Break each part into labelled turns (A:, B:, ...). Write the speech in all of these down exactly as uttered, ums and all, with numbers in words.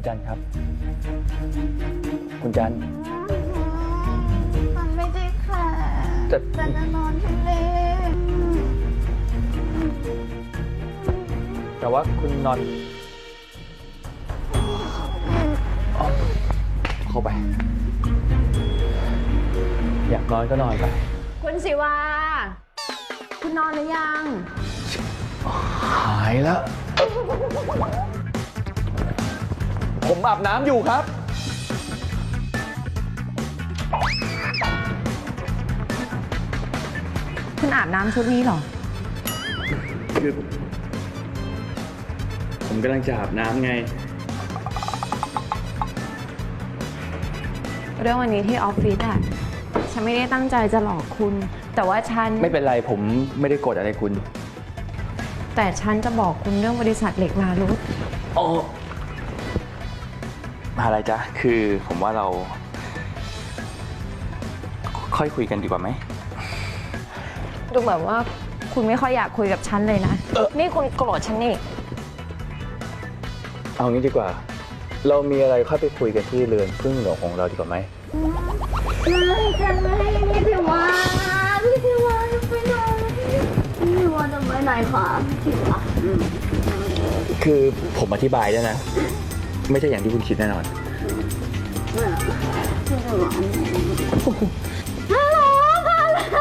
A: จันครับ คุณจัน
B: มันไม่ได้ค่ะ
A: จะ
B: จะนอนทะเล
A: แต่ว่าคุณนอนเข้าไปอยากนอนก็นอนไป
C: คุณศิวาคุณนอนหรือยัง
A: หายแล้ว ผมอาบน้ำอยู่ครับ
C: คุณอาบน้ำชุดนี้เหรอ
A: คือผมกำลังจะอาบน้ำไง
C: เรื่องวันนี้ที่ออฟฟิศอะฉันไม่ได้ตั้งใจจะหลอกคุณ แต่ว่าฉัน
A: ไม่เป็นไรผมไม่ได้โกรธอะไรคุณ
C: แต่ฉันจะบอกคุณเรื่องบริษัทเหล็กมารุต
A: โอ้อะไรจ๊ะคือผมว่าเราค่อยคุยกันดีกว่าไหม
C: ดูเหมือนว่าคุณไม่ค่อยอยากคุยกับฉันเลยนะนี่คุณโกรธฉันนี่
A: เอางี้ดีกว่า เรามีอะไรค่อยไปคุยกันที่เรือนพึ่งหลวงของเราดีกว่าไหม
B: ไม่จะไม่พี่ทิวาพี่ทิวาจะไปไหนพี่ทิวาจะไปไหนคะพี่ทิวา
A: คือผมอธิบายได้นะ ไม่ใช่อย่างที่คุณคิดแน่นอน
B: พี่ทิวาฮัลโหลพาไร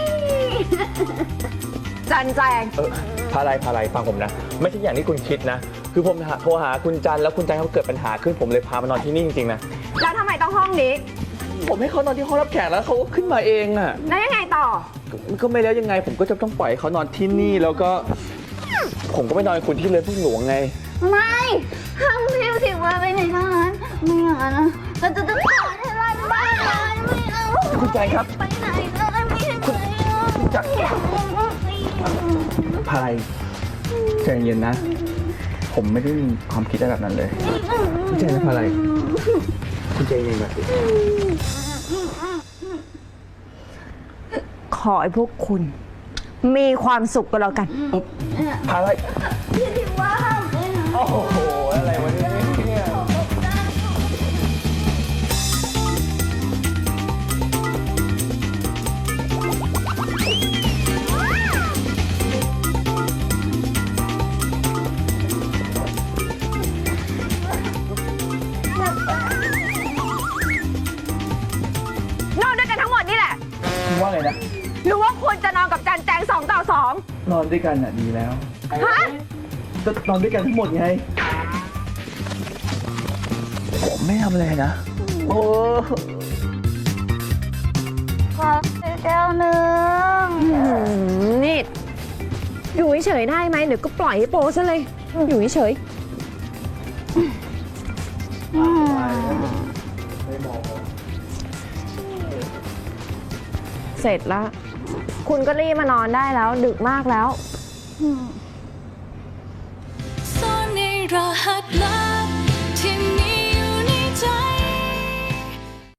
C: จันแจง
A: เออพาไรพาไรฟังผมนะไม่ใช่อย่างที่คุณคิดนะคือผมโทรหาคุณจันแล้วคุณจันเขาเกิดปัญหาขึ้นผมเลยพามานอนที่นี่จริงๆนะ
C: แล้วทำไมต้องห้องนี้
A: ผมให้เขานอนที่ห้องรับแขกแล้วเขาก็ขึ้นมาเองอ่ะ
C: แล้วยังไงต่อ
A: ก็ไม่แล้วยังไงผมก็จะต้องปล่อยเขานอนที่นี่แล้วก็ผมก็ไม่นอนคุณที่เรือนพึ่งหลวงไง
B: ไม่ห้ามพี่ทิวาไปไหนทั้งนั้นไม่อย่างนั้นนะเราจะต้องขอให้ร้านบ้านเลยไม่เอา
A: คุณจันครับ
B: ไปไหนเลยไม่ให้ไป
A: คุณจันพาไรใจเย็นนะผมไม่ได้มีความคิดแบบนั้นเลยคุณใจนะพาไรคุณใจเย็นแบบ
C: ขอให้พวกคุณมีความสุขก็แล้วกัน
A: พาไร
B: พี่ทิวาห้ามไปไหน
A: โอ้โหอะไรวะเนี่ย
C: นอนด้วยกันทั้งหมดนี่แหละ
A: คุณว่าไงนะ
C: หรือว่าควรจะนอนกับจันแจงสองต่อสอง
A: นอนด้วยกันน่ะดีแล้ว
C: ฮะ
A: ก็นอนด้วยกันทั้งหมดไงผมไม่ทำอะไรนะโอ้
B: ขอแก้วหนึ่ง
C: นี่อยู่เฉยๆได้ไหมเดี๋ยวก็ปล่อยให้โปซะเลยอยู่เฉยเสร็จแล้วคุณก็รีบมานอนได้แล้วดึกมากแล้ว
D: ซ่อนในรหัสลับ